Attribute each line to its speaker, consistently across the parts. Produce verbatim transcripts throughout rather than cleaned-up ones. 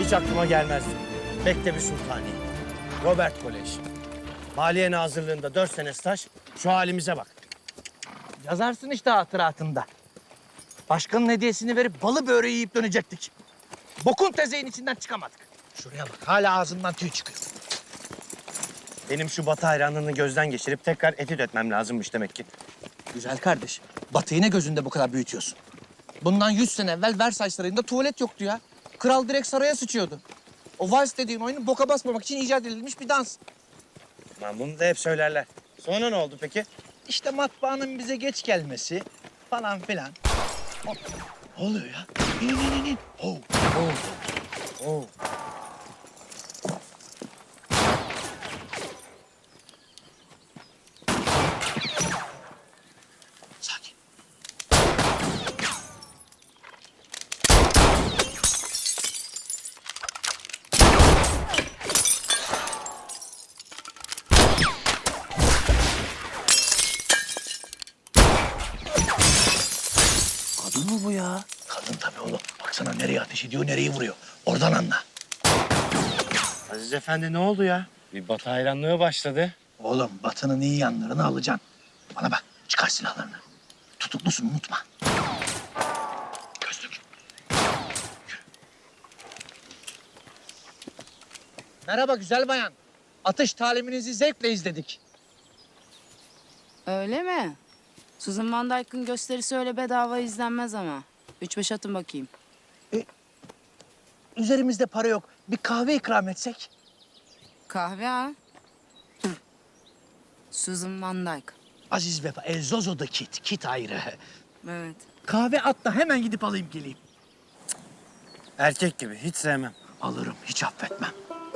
Speaker 1: Hiç aklıma gelmezdi. Mektebi Sultani, Robert Kolej. Maliye Nazırlığı'nda dört sene staj, şu halimize bak.
Speaker 2: Yazarsın işte hatıratında. Başkanın hediyesini verip balı böreği yiyip dönecektik. Bokun tezeğin içinden çıkamadık. Şuraya bak, hala ağzından tüy çıkıyor.
Speaker 1: Benim şu Batı hayranlığını gözden geçirip tekrar etüt etmem lazımmış demek ki.
Speaker 2: Güzel kardeş, Batı'yı ne gözünde bu kadar büyütüyorsun? Bundan yüz sene evvel Versailles Sarayı'nda tuvalet yoktu ya. Kral direkt saraya sıçıyordu. O vals dediğin oyunun boka basmamak için icat edilmiş bir dans.
Speaker 1: Lan bunu da hep söylerler. Sonra ne oldu peki?
Speaker 2: İşte matbaanın bize geç gelmesi falan filan. Hop. Ne oluyor ya? İn, in, in, in. Oh, oh, oh. Sakin. Kadın mı bu ya? Kadın tabii oğlum. Baksana nereye ateş ediyor, nereyi vuruyor. Oradan anla.
Speaker 1: Aziz Efendi ne oldu ya? Bir Batı hayranlığı başladı.
Speaker 2: Oğlum Batı'nın iyi yanlarını alacaksın. Bana bak, çıkar silahlarını. Tutuklusun, unutma. Gözlük. Yürü. Merhaba güzel bayan. Atış taliminizi zevkle izledik.
Speaker 3: Öyle mi? Susan Van Dyke'ın gösterisi öyle bedava izlenmez ama. Üç beş atın bakayım.
Speaker 2: Üzerimizde para yok. Bir kahve ikram etsek.
Speaker 3: Kahve ha? Susan Van Dyke.
Speaker 2: Aziz Vefa, El Zozo'da kit, kit ayrı.
Speaker 3: Evet.
Speaker 2: Kahve at da hemen gidip alayım geleyim.
Speaker 1: Erkek gibi hiç sevmem.
Speaker 2: Alırım, hiç affetmem.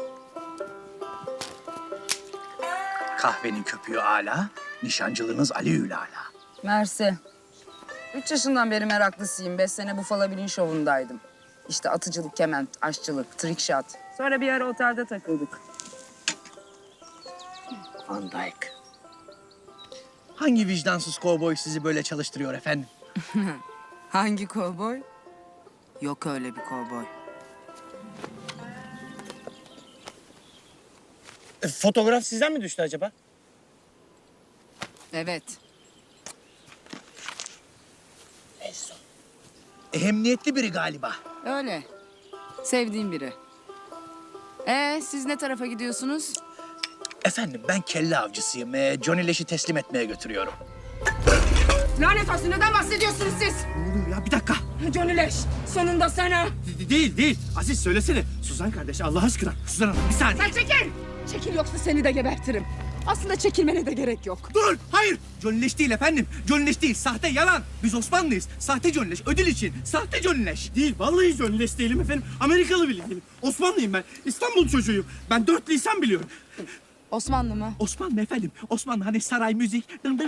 Speaker 2: Kahvenin köpüğü âlâ, nişancılığınız aleyhül âlâ.
Speaker 4: Mersi. Üç yaşından beri meraklısıyım. Beş sene Buffalo Bill'in şovundaydım. İşte atıcılık, kement, aşçılık, trick shot. Sonra bir ara otelde takıldık.
Speaker 2: Van Dyke. Hangi vicdansız kovboy sizi böyle çalıştırıyor efendim?
Speaker 3: Hangi kovboy? Yok öyle bir kovboy.
Speaker 1: E, fotoğraf sizden mi düştü acaba?
Speaker 3: Evet.
Speaker 2: Ehemmiyetli biri galiba.
Speaker 3: Öyle. Sevdiğim biri. Ee, siz ne tarafa gidiyorsunuz?
Speaker 2: Efendim ben kelle avcısıyım. Ee, Johnny Leş'i teslim etmeye götürüyorum.
Speaker 4: Lanet olsun, neden bahsediyorsunuz siz?
Speaker 2: Ne oluyor ya? Bir dakika.
Speaker 4: Johnny Leş, sonunda sana.
Speaker 5: De- Değil, değil. Aziz söylesene. Suzan kardeş Allah aşkına. Suzan Hanım bir saniye.
Speaker 4: Sen çekil! Çekil yoksa seni de gebertirim. Aslında çekilmene de gerek yok.
Speaker 5: Dur, hayır. Johnny Leş değil efendim. Johnny Leş değil, sahte, yalan. Biz Osmanlıyız. Sahte Johnny Leş, ödül için. Sahte Johnny Leş. Değil, vallahi Johnny Leş değilim efendim. Amerikalı bile değilim. Osmanlıyım ben. İstanbul çocuğuyum. Ben dört lisan biliyorum.
Speaker 3: Osmanlı mı?
Speaker 5: Osmanlı efendim. Osmanlı hani saray müzik.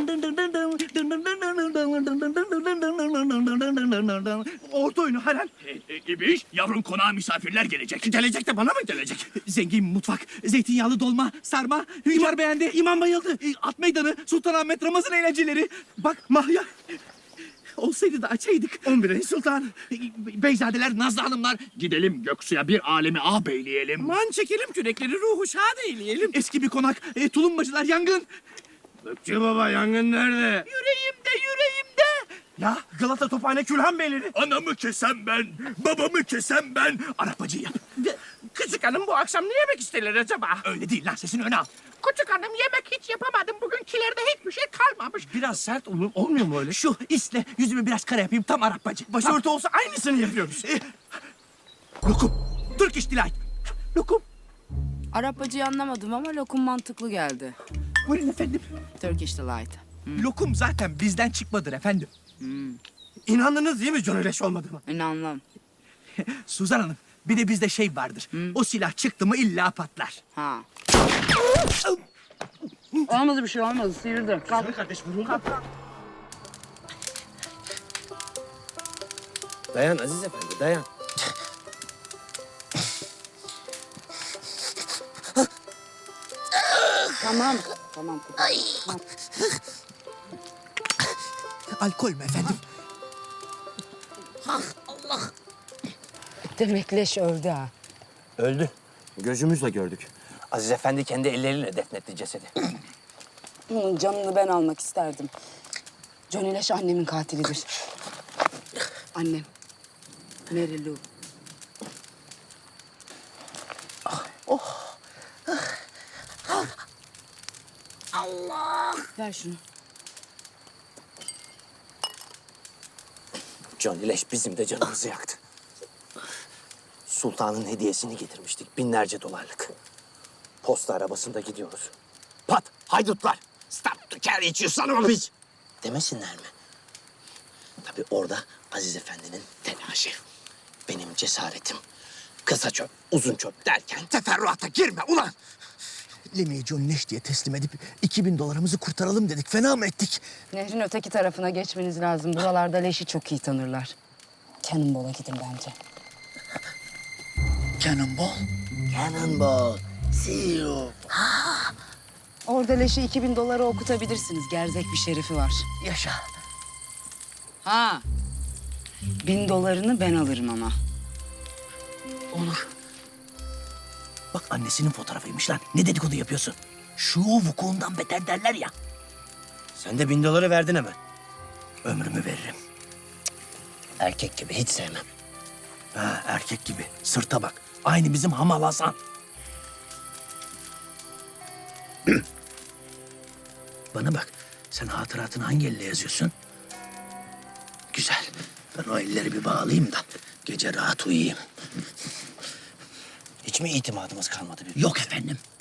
Speaker 5: Orta oyunu harem. Gibi iş. Yavrum konağa misafirler gelecek. Gelecek de bana mı gelecek? Zengin mutfak, zeytinyağlı dolma, sarma. İmar beğendi, imam bayıldı. At meydanı, Sultanahmet Ramazan eğlenceleri. Bak Mahya. Olsaydı da açaydık. on bir Sultan. Beyzadeler, Nazlı Hanımlar. Gidelim Göksu'ya bir alemi ağabeyleyelim. Aman çekelim kürekleri, ruhu şad eyleyelim. Eski bir konak, e, tulumbacılar, yangın.
Speaker 1: Gökçe baba yangın nerede?
Speaker 5: Yüreğimde, yüreğimde. Ya Galata Tophane Külhan Beyleri. Anamı kesem ben, babamı kesem ben. Arapacı yap.
Speaker 6: Küçük hanım bu akşam ne yemek isterler acaba?
Speaker 5: Öyle değil lan, sesini öne al.
Speaker 6: Küçük hanım yemek hiç yapamadım. Bugün kilerde hiçbir şey kalmamış.
Speaker 5: Biraz sert olur, olmuyor mu öyle? Şu isle yüzümü biraz kara yapayım, tam Arapacı.
Speaker 6: Başörtü olsa aynısını yapıyoruz.
Speaker 5: E, lokum, Turkish Delight. Lokum.
Speaker 3: Arapacıyı anlamadım ama lokum mantıklı geldi.
Speaker 5: Buyurun efendim.
Speaker 3: Turkish Delight.
Speaker 5: Lokum zaten bizden çıkmadır efendim.
Speaker 6: İnandınız değil mi Johnny Leş olmadığıma?
Speaker 3: İnanmam.
Speaker 5: Suzan Hanım, bir de bizde şey vardır. O silah çıktı mı illa patlar.
Speaker 3: Ha.
Speaker 4: Olmadı bir şey, olmadı. Sıyırdı. Kalk.
Speaker 5: Kardeş vuruldu.
Speaker 1: Dayan Aziz Efendi dayan.
Speaker 4: Tamam. Tamam. tamam.
Speaker 5: Alkol mü efendim?
Speaker 4: Demek Leş öldü ha.
Speaker 1: Öldü. Gözümüzle gördük.
Speaker 2: Aziz Efendi kendi elleriyle defnetti cesedi.
Speaker 4: Onun canını ben almak isterdim. Johnny Leş annemin katilidir. Annem. Mary Lou. Allah! Ver şunu.
Speaker 2: Johnny Leş bizim de canımızı yaktı. Sultanın hediyesini getirmiştik. Binlerce dolarlık. Posta arabasında gidiyoruz. Pat! Haydutlar! Stop the carriage you son of a bitch! Demesinler mi? Tabii orada Aziz Efendi'nin telaşı. Benim cesaretim. Kısa çöp, uzun çöp derken teferruata girme ulan!
Speaker 5: Lemi'yi John Leş diye teslim edip iki bin dolarımızı kurtaralım dedik. Fena mı ettik?
Speaker 4: Nehrin öteki tarafına geçmeniz lazım. Buralarda Leş'i çok iyi tanırlar. Cannonball'a gidin bence.
Speaker 5: Cannonball.
Speaker 2: Cannonball, see you.
Speaker 4: Orada Leş'i iki bin dolara okutabilirsiniz. Gerzek bir şerifi var.
Speaker 5: Yaşa.
Speaker 4: Ha. Bin dolarını ben alırım ama.
Speaker 5: Olur. Bak annesinin fotoğrafıymış lan. Ne dedikodu yapıyorsun? Şu vukuundan beter derler ya.
Speaker 1: Sen de bin doları verdin hemen.
Speaker 5: Ömrümü veririm.
Speaker 2: Erkek gibi hiç sevmem.
Speaker 5: Ha, erkek gibi. Sırta bak. Aynı bizim Hamal Hasan. Bana bak. Sen hatıratını hangi elle yazıyorsun? Güzel. Ben o elleri bir bağlayayım da gece rahat uyuyayım.
Speaker 2: Hiç mi itimadımız kalmadı bir?
Speaker 5: Yok efendim.